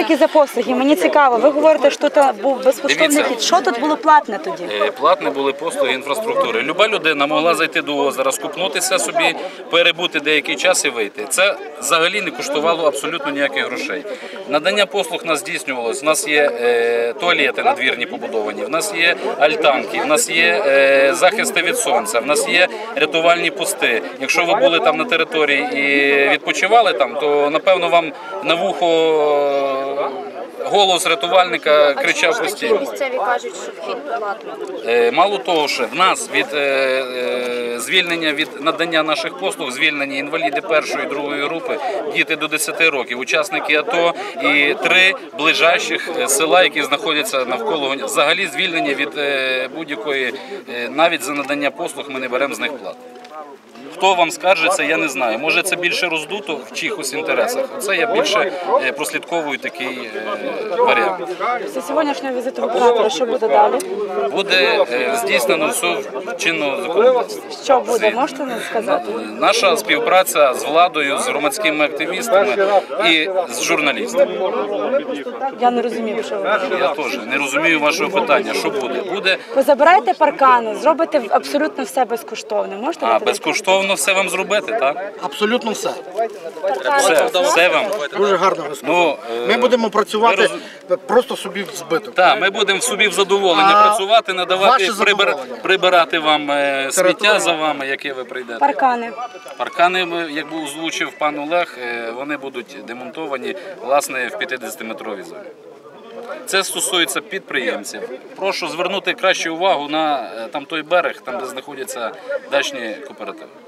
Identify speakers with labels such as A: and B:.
A: тільки за послуги. Мені цікаво, ви говорите, що тут був безкоштовний хід. Що тут було платне тоді?
B: Платне були послуги інфраструктури. Люба людина могла зайти до озера, скупнутися собі, перебути деякий час і вийти. Це взагалі не коштувало абсолютно ніяких грошей. Надання послуг у нас здійснювалося. У нас є туалети надвірні побудовані, в нас є альтанки, в нас є захисти від сонця, в нас є рятувальні пости. Якщо ви були там на території і відпочивали там, то напевно вам на вухо голос рятувальника кричав постійно.
C: Місцеві кажуть, що вхід платний.
B: Мало того, що в нас від звільнення від надання наших послуг звільнені інваліди першої і другої групи, діти до 10 років, учасники АТО і 3 ближайших села, які знаходяться навколо. Взагалі звільнені від будь-якої, навіть за надання послуг ми не беремо з них плату. Хто вам скаржиться, я не знаю. Може це більше роздуто в чиїхось інтересах. Це я більше прослідковую такий варіант.
A: Після сьогоднішнього візиту оператора що буде далі?
B: Буде здійснено все чинного законодавства.
A: Що буде, можете нам сказати?
B: Наша співпраця з владою, з громадськими активістами і з журналістами.
A: Я не розумію, що ви говорите.
B: Я теж не розумію вашого питання. Що буде?
A: Ви забираєте паркани, зробите абсолютно все безкоштовно. Можете дати
B: Безкоштовно все вам зробити, так?
D: Абсолютно все.
B: Все вам.
D: Дуже гарно ви сказали. Ми будемо працювати просто собі в збиток.
B: Так, ми будемо собі в задоволення працювати, надавати, прибирати вам сміття за вами, яке ви прийдете.
A: Паркани.
B: Паркани, як озвучив пан Олег, вони будуть демонтовані, власне, в 50-метровій зоні. Це стосується підприємців. Прошу звернути краще увагу на там той берег, там де знаходяться дачні кооперативи.